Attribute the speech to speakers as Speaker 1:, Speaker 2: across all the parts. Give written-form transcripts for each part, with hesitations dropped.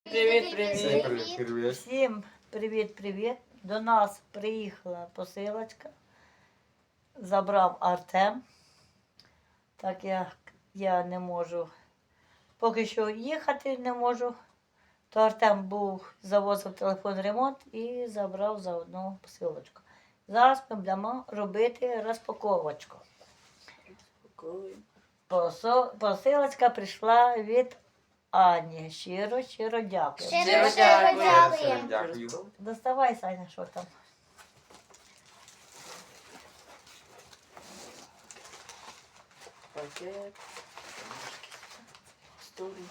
Speaker 1: Привіт, привіт.
Speaker 2: Привіт.
Speaker 3: Всім привіт-привіт. До нас приїхала посилочка. Забрав Артем. Так як я не можу, поки що їхати не можу, то Артем завозив телефон ремонт і забрав заодно посилочку. Зараз ми будемо робити розпаковочку. Посилочка прийшла від Ані. Щиро дякую.
Speaker 1: Щиро дякую.
Speaker 2: Дякую.
Speaker 3: Доставай, Саня, що там.
Speaker 1: Пакет. Столик.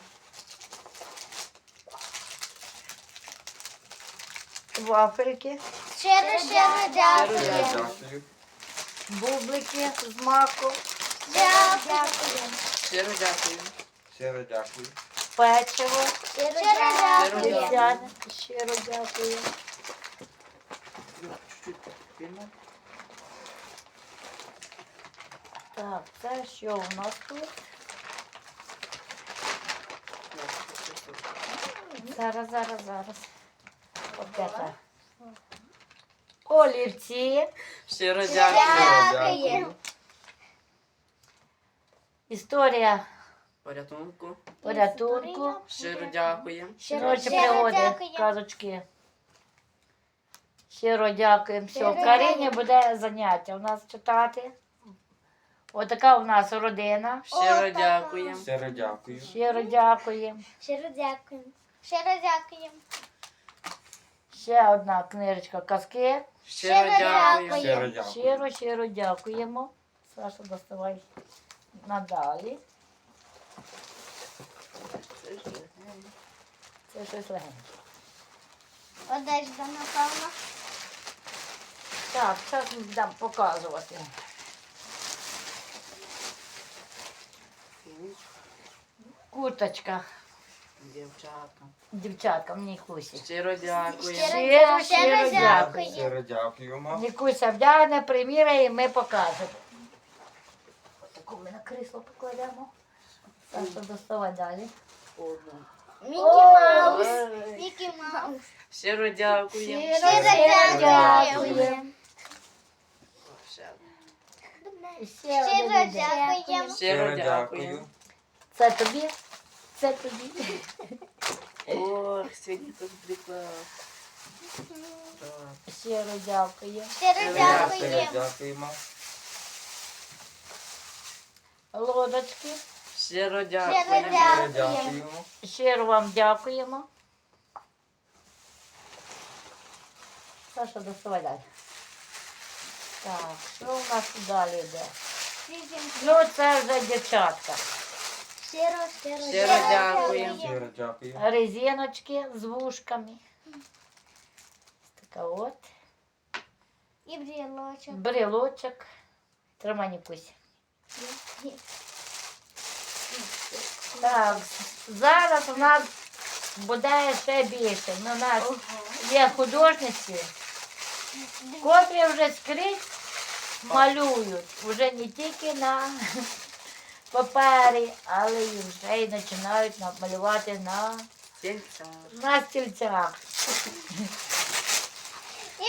Speaker 3: Вафельки,
Speaker 4: Щиро дякую.
Speaker 2: Дякую.
Speaker 3: бублики з маку,
Speaker 4: Дякую.
Speaker 1: Щиро дякую.
Speaker 2: Щиро дякую.
Speaker 3: печиво,
Speaker 4: Щиро
Speaker 1: дякую.
Speaker 3: вівсяне. Щиро дякую.
Speaker 1: Чуть-чуть пильно.
Speaker 3: Так, це що у нас тут? Зараз. От це. Олівці,
Speaker 1: Щиро дякую.
Speaker 4: Дякую.
Speaker 3: історія порятунку,
Speaker 1: Щиро дякую.
Speaker 3: жіночі пригоди,
Speaker 4: дякую.
Speaker 3: казочки. Щиро дякуємо. Все,
Speaker 4: Щиро
Speaker 3: Карині
Speaker 4: дякую.
Speaker 3: буде заняття у нас читати. Отака у нас родина.
Speaker 1: Щиро дякую.
Speaker 2: Щиро дякую.
Speaker 3: Щиро дякуємо.
Speaker 4: Щиро дякую. Щиро дякую.
Speaker 3: Ще одна книжечка казки.
Speaker 1: Щиро дякую.
Speaker 2: Щиро дякую.
Speaker 3: Щиро дякуємо. Саша, доставай надалі. Це щось легеньке.
Speaker 4: Одежда, напевно.
Speaker 3: Так, зараз будемо показувати. Курточка.
Speaker 1: Дівчатка.
Speaker 3: Дівчаткам, Нікусі.
Speaker 1: Щиро дякую.
Speaker 3: Щиро дякую.
Speaker 2: Щиро дякуємо.
Speaker 3: Нікуся вдягне, приміряє і ми покажемо. Отаку ми на крісло покладемо. Саша, доставай далі.
Speaker 1: Одну.
Speaker 4: Мікі Маус. Мікі Маус.
Speaker 1: Щиро дякую.
Speaker 4: Щиро
Speaker 3: дякую.
Speaker 4: дякую.
Speaker 1: Ще одну.
Speaker 3: Ще
Speaker 4: Щиро
Speaker 3: один іде.
Speaker 4: дякуємо.
Speaker 1: Щиро дякую.
Speaker 3: Це тобі, це тобі.
Speaker 1: Ох, сьогодні тут приклад. Так.
Speaker 3: Щиро дякую.
Speaker 4: Щиро
Speaker 2: Щиро
Speaker 4: дякуємо.
Speaker 2: дякуємо.
Speaker 3: Лодочки.
Speaker 1: Щиро
Speaker 4: Щиро
Speaker 1: дякую.
Speaker 2: Щиро
Speaker 4: дякуємо.
Speaker 2: дякуємо.
Speaker 3: Щиро вам дякуємо. Саша, доставай далі. Так, що у нас далі йде? Ну, це вже дівчатка.
Speaker 1: Щиро дякую.
Speaker 2: Щиро дякую.
Speaker 3: Резиночки з вушками. Така от.
Speaker 4: І брілочок.
Speaker 3: Брелочок. Тримай, Нікусь. Так, зараз у нас буде ще більше. У нас є художниці, котрі вже скрізь малюють. Вже не тільки на папері, але і вже й починають малювати
Speaker 1: Тільця.
Speaker 3: на стільцях.
Speaker 4: І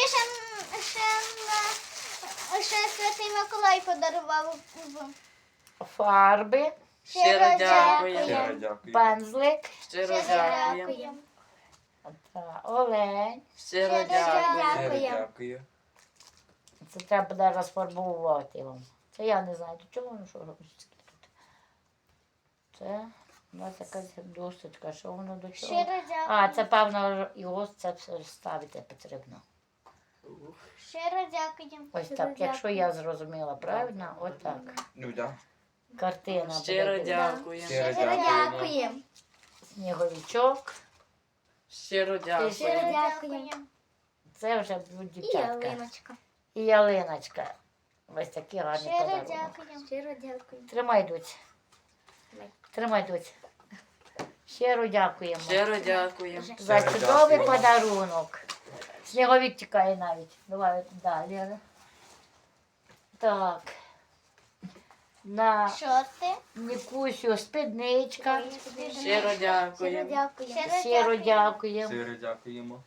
Speaker 4: ще Святий Миколай подарував.
Speaker 3: Фарби,
Speaker 1: Щиро дякую.
Speaker 2: Щиро дякую.
Speaker 3: пензлик,
Speaker 1: Щиро дякую.
Speaker 3: та олень.
Speaker 1: Щиро
Speaker 4: Щиро
Speaker 1: дякую.
Speaker 4: дякую.
Speaker 2: Щиро дякую.
Speaker 3: Це треба буде розфарбувати вам. Це я не знаю, до чого воно що робить тут. Це у нас якась досочка, що воно до чого.
Speaker 4: Щиро дякую.
Speaker 3: А, це певно його це все ставити потрібно.
Speaker 4: Щиро дякую.
Speaker 3: Ось так, якщо я зрозуміла правильно, отак.
Speaker 2: Ну да.
Speaker 3: Картина
Speaker 1: Щиро
Speaker 3: буде.
Speaker 1: дякую.
Speaker 2: Щиро
Speaker 4: Щиро
Speaker 2: дякуємо.
Speaker 4: дякуємо.
Speaker 3: Сніговичок.
Speaker 1: Щиро
Speaker 4: Щиро
Speaker 1: дякую.
Speaker 4: дякуємо.
Speaker 3: Це вже будуть
Speaker 4: І
Speaker 3: дівчатка.
Speaker 4: ялиночка.
Speaker 3: І ялиночка. Ось такі гарні
Speaker 4: Щиро
Speaker 3: подарунки.
Speaker 4: дякуємо. Щиро дякуємо.
Speaker 3: Тримай, доць. Тримай, доць. Щиро дякуємо.
Speaker 1: Щиро дякую.
Speaker 3: За
Speaker 2: Щиро
Speaker 3: чудовий
Speaker 2: дякуємо.
Speaker 3: подарунок. Сніговик тікає навіть. Давай далі. Так. на
Speaker 4: Шорти.
Speaker 3: Нікусю спідничка.
Speaker 1: Щиро
Speaker 4: Щиро
Speaker 1: дякуємо.
Speaker 4: дякуємо.
Speaker 3: Щиро дякуємо.
Speaker 2: Щиро дякуємо.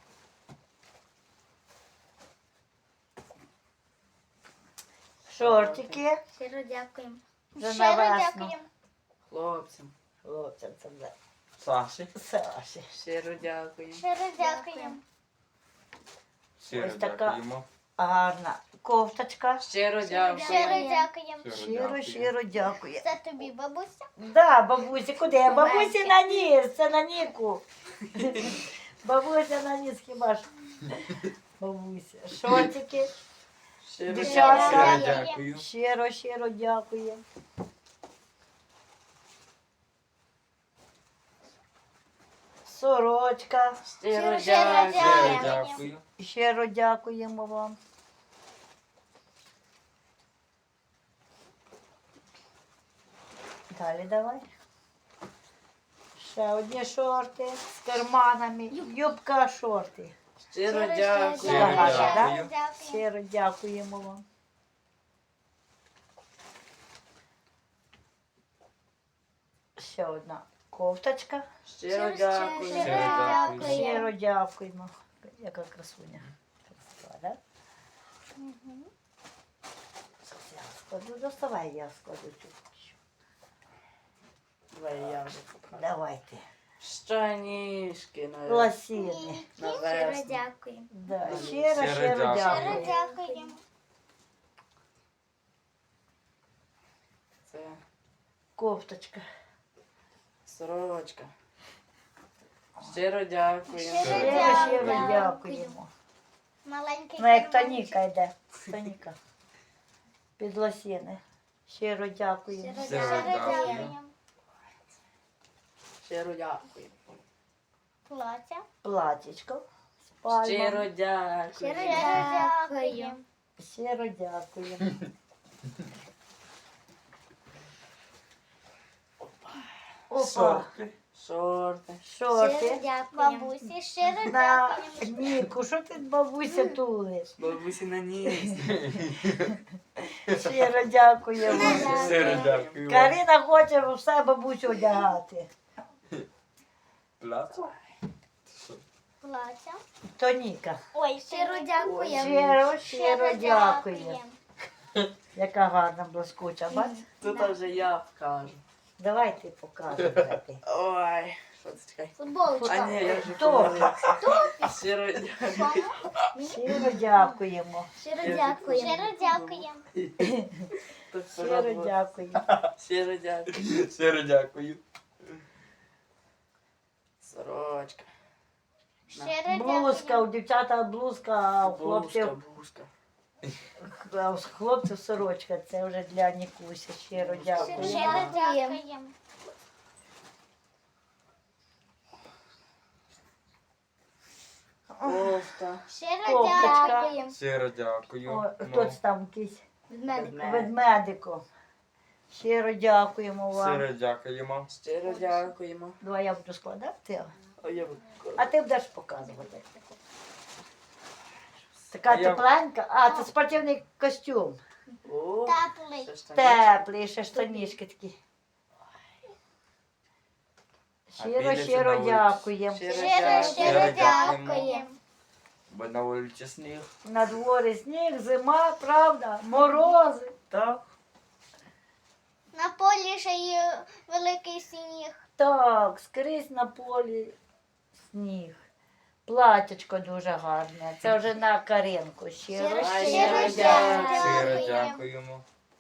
Speaker 3: Шортики.
Speaker 4: Щиро дякуємо.
Speaker 3: Вже
Speaker 4: Щиро
Speaker 3: на весну.
Speaker 4: дякуємо.
Speaker 1: Хлопцям.
Speaker 3: Хлопцям це вже
Speaker 2: Саші.
Speaker 3: Саші.
Speaker 1: Щиро дякуємо.
Speaker 4: Щиро дякуємо.
Speaker 2: Щиро
Speaker 3: Ось така.
Speaker 2: дякуємо.
Speaker 3: Гарна кофточка.
Speaker 1: Щиро
Speaker 4: Щиро
Speaker 1: дякуємо.
Speaker 4: дякуємо.
Speaker 3: Щиро дякую.
Speaker 4: Це тобі, бабуся.
Speaker 3: Да, бабусі, куди? Бабусі на ніс, це на Ніку. Бабуся на ніс хіба ж. Бабуся. Шортики.
Speaker 1: Щиро
Speaker 3: Дівчатка.
Speaker 1: дякуємо.
Speaker 2: Щиро дякую.
Speaker 3: Щиро дякую. Сорочка.
Speaker 1: Щиро
Speaker 4: Щиро
Speaker 1: дякуємо.
Speaker 2: Щиро дякую.
Speaker 3: Щиро дякуємо вам. Далі давай. Ще одні шорти з карманами. Юбка, шорти.
Speaker 1: Щиро
Speaker 2: Щиро
Speaker 1: дякуємо.
Speaker 3: Ага, да?
Speaker 2: дякую.
Speaker 3: Щиро дякуємо вам. Ще одна кофточка.
Speaker 1: Щиро дякуємо.
Speaker 2: Щиро дякую.
Speaker 3: Щиро дякуємо. Яка красуня. Красива, да? Зараз я складу. Доставай, я складу чуть-чуть.
Speaker 1: Давай я вже покажу.
Speaker 3: Давайте.
Speaker 1: Штанішки на
Speaker 3: Лосіни.
Speaker 1: На
Speaker 4: Щиро
Speaker 1: весну.
Speaker 4: дякуємо.
Speaker 3: Да.
Speaker 2: Щиро
Speaker 3: Щиро
Speaker 2: дякую.
Speaker 4: Щиро
Speaker 3: дякую.
Speaker 4: дякуємо.
Speaker 1: Це
Speaker 3: Кофточка.
Speaker 1: сорочка. Щиро дякуємо.
Speaker 3: Щиро дякуємо.
Speaker 4: Маленький
Speaker 3: Ну, як
Speaker 4: карманчик.
Speaker 3: Тоніка йде. Тоніка. Під лосіни. Щиро дякуємо.
Speaker 4: Щиро
Speaker 2: Щиро
Speaker 4: дякуємо.
Speaker 1: Щиро дякуємо.
Speaker 4: Плаття.
Speaker 3: Платічко. З пальмами.
Speaker 1: Щиро
Speaker 4: Щиро
Speaker 1: дякуємо.
Speaker 4: дякуємо.
Speaker 3: Щиро дякуємо. Опа.
Speaker 2: Шорти.
Speaker 1: Шорти.
Speaker 4: Щиро
Speaker 3: Шорти.
Speaker 4: дякуємо. Бабусі, щиро
Speaker 3: На
Speaker 4: дякуємо.
Speaker 3: Ніку, що ти бабуся тулиш?
Speaker 1: Бабусі на ніс.
Speaker 3: Щиро дякуємо.
Speaker 2: Щиро дякую.
Speaker 3: Карина хоче все бабусю одягати.
Speaker 2: Плацу.
Speaker 4: Плаття.
Speaker 3: Тоніка.
Speaker 4: Ой, щиро дякуємо.
Speaker 3: Щиро дякуємо. Яка гарна блискуча, бач?
Speaker 1: Тут вже я покажу.
Speaker 3: Давай ти показуй.
Speaker 1: Ой, що це чекай?
Speaker 4: Футболочка.
Speaker 1: А ні, я вже
Speaker 3: Хто?
Speaker 1: помилився. Щиро дякую.
Speaker 3: Щиро дякуємо.
Speaker 4: Щиро дякуємо. Щиро дякуємо.
Speaker 1: Тут
Speaker 3: Щиро
Speaker 1: пора
Speaker 3: дякуємо.
Speaker 1: Щиро дякую.
Speaker 2: Щиро дякую.
Speaker 1: Сорочка.
Speaker 4: Щиро
Speaker 3: Блузка,
Speaker 4: дякуємо.
Speaker 3: у дівчата блузка, а у
Speaker 1: Бушка,
Speaker 3: хлопців,
Speaker 1: бушка.
Speaker 3: а у хлопців сорочка. Це вже для Нікусі. Щиро дякуємо.
Speaker 4: Щиро дякуємо.
Speaker 1: Кофта.
Speaker 4: Щиро
Speaker 3: Кофточка.
Speaker 4: дякуємо.
Speaker 2: Щиро дякую.
Speaker 3: О,
Speaker 2: Ну,
Speaker 3: хто це там якийсь
Speaker 4: Ведмедик.
Speaker 3: ведмедику. Щиро дякуємо вам.
Speaker 2: Щиро дякуємо.
Speaker 1: Щиро дякуємо.
Speaker 3: Давай я буду складати,
Speaker 1: Ой, я буду
Speaker 3: а ти будеш показувати. Така
Speaker 2: А я-
Speaker 3: тепленька. А, це спортивний костюм.
Speaker 1: О,
Speaker 4: Теплий.
Speaker 1: це ж там
Speaker 3: Теплий, ще штанішки такі.
Speaker 2: підете
Speaker 3: Щиро
Speaker 2: на вулицю?
Speaker 3: дякуємо.
Speaker 1: Щиро
Speaker 4: Щиро,
Speaker 1: дякую.
Speaker 4: щиро
Speaker 2: дякуємо.
Speaker 4: дякуємо.
Speaker 2: Бо на вулиці сніг.
Speaker 3: На дворі сніг, зима, правда, морози.
Speaker 1: Так.
Speaker 4: На полі ще є великий сніг.
Speaker 3: Так, скрізь на полі сніг. Платячко дуже гарне. Це вже на Каринку. Щиро,
Speaker 4: Щиро,
Speaker 1: Ай,
Speaker 3: щиро
Speaker 1: щиро
Speaker 3: дякую.
Speaker 2: Щиро
Speaker 4: дякуємо.
Speaker 2: дякуємо.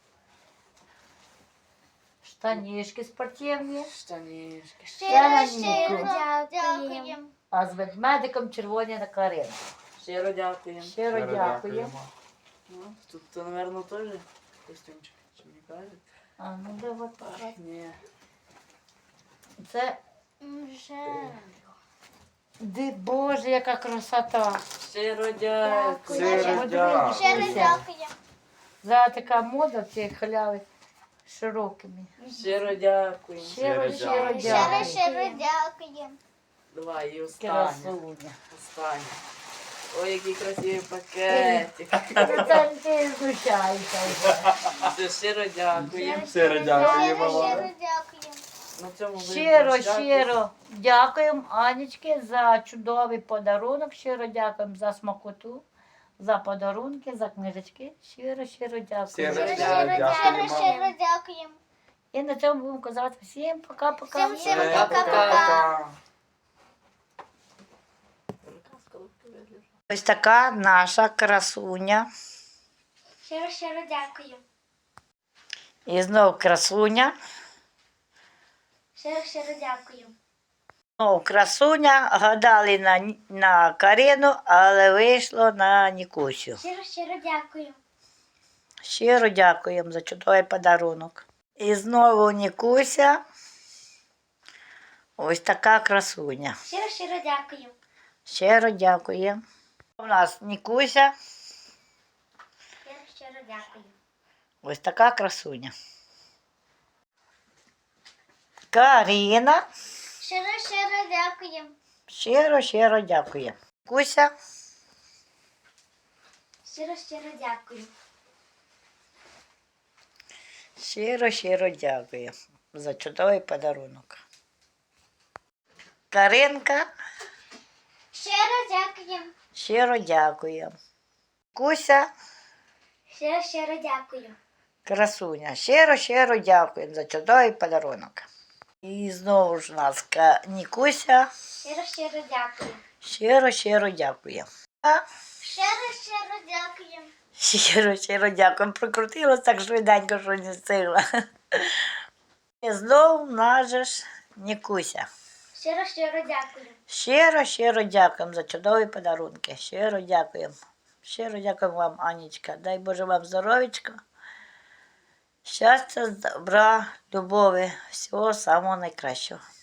Speaker 3: Штанішки спортивні.
Speaker 1: Штанішки.
Speaker 4: Щиро,
Speaker 3: Ніку.
Speaker 4: щиро дякуємо.
Speaker 3: А з ведмедиком червоні на Каринку.
Speaker 1: Щиро дякуємо.
Speaker 3: Щиро дякуємо.
Speaker 1: Ну, тут, то, наверное, теж костюмчик. Чи мені кажуть?
Speaker 3: А ну де от
Speaker 1: Ай, ні.
Speaker 3: це.
Speaker 4: Вже.
Speaker 3: Боже, яка красота.
Speaker 1: Щиро дякую.
Speaker 2: Щиро дякую.
Speaker 4: Щиро дякуємо.
Speaker 3: Зараз така мода ці халяви широкими.
Speaker 1: Щиро дякую.
Speaker 3: Щиро, щиро
Speaker 2: дякую.
Speaker 4: Щиро,
Speaker 3: дякую.
Speaker 4: щиро дякуємо.
Speaker 1: Давай, і останнє.
Speaker 3: Красуня.
Speaker 1: Останнє. Ой, який красивий пакетик.
Speaker 3: Це ти знущаєшся вже.
Speaker 1: Все, щиро дякую.
Speaker 2: Щиро дякуємо вам.
Speaker 4: Щиро дякуємо.
Speaker 1: На цьому будемо
Speaker 3: Щиро,
Speaker 1: прощатись.
Speaker 3: щиро дякуємо Анічки за чудовий подарунок. Щиро дякуємо за смакоту, за подарунки, за книжечки. Щиро, щиро дякуємо.
Speaker 2: Щиро,
Speaker 4: Щиро,
Speaker 2: дякуємо.
Speaker 4: щиро дякуємо.
Speaker 3: І на цьому будемо казати всім пока-пока.
Speaker 4: Всім
Speaker 2: Пока-пока.
Speaker 3: Ось така наша красуня.
Speaker 4: Щиро дякую.
Speaker 3: І знов красуня.
Speaker 4: Щиро дякую.
Speaker 3: Знов красуня. Гадали на Карину, але вийшло на Нікусю.
Speaker 4: Щиро дякую.
Speaker 3: Щиро дякуємо за чудовий подарунок. І знову Нікуся. Ось така красуня.
Speaker 4: Щиро дякую.
Speaker 3: Щиро дякуємо. У нас Нікуся.
Speaker 4: Щиро дякую.
Speaker 3: Ось така красуня. Каріна.
Speaker 4: Щиро дякую.
Speaker 3: Щиро, щиро дякує. Куся.
Speaker 4: Щиро дякую.
Speaker 3: Щиро, щиро дякую за чудовий подарунок. Каринка.
Speaker 4: Щиро дякую.
Speaker 3: Щиро дякую. Куся.
Speaker 4: Щиро дякую.
Speaker 3: Красуня. Щиро, щиро дякую за чудовий подарунок. І знову ж у нас Нікуся.
Speaker 4: Щиро дякую.
Speaker 3: Щиро, щиро дякую.
Speaker 4: Щиро дякую.
Speaker 3: Щиро, щиро дякую. Прокрутилась так швиденько, що не встигла. І знову в нас же ж Нікуся.
Speaker 4: Щиро дякую.
Speaker 3: Щиро, щиро дякуємо за чудові подарунки. Щиро дякуємо. Щиро дякуємо вам, Анічка. Дай Боже вам здоров'ячка. Щастя, добра, любові, всього самого найкращого.